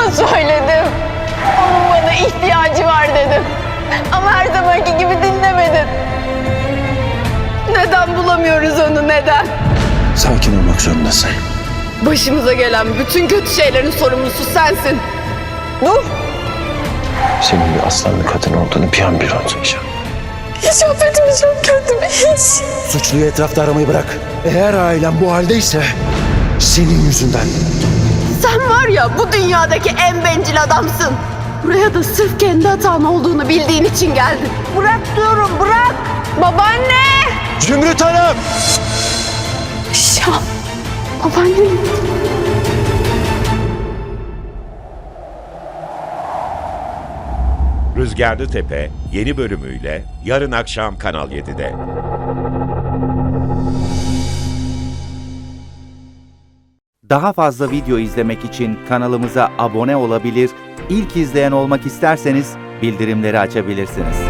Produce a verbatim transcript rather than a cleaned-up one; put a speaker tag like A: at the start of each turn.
A: Söyledim. Onun bana ihtiyacı var dedim. Ama her zamanki gibi dinlemedin. Neden bulamıyoruz onu, neden?
B: Sakin olmak zorundasın.
A: Başımıza gelen bütün kötü şeylerin sorumlusu sensin. Dur.
B: Senin bir aslanlı kadın olduğunu bir an bir unutmayacağım.
A: Hiç affetmeyeceğim kendimi, hiç.
B: Suçluyu etrafta aramayı bırak. Eğer ailem bu haldeyse senin yüzünden.
A: Sen var ya bu dünyadaki en bencil adamsın. Buraya da sırf kendi hatan olduğunu bildiğin için geldin. Bırak diyorum, bırak. Babaanne!
B: Zümrüt Hanım!
A: Ya, babaannem.
C: Rüzgarlı Tepe yeni bölümüyle yarın akşam Kanal yedide.
D: Daha fazla video izlemek için kanalımıza abone olabilir, ilk izleyen olmak isterseniz bildirimleri açabilirsiniz.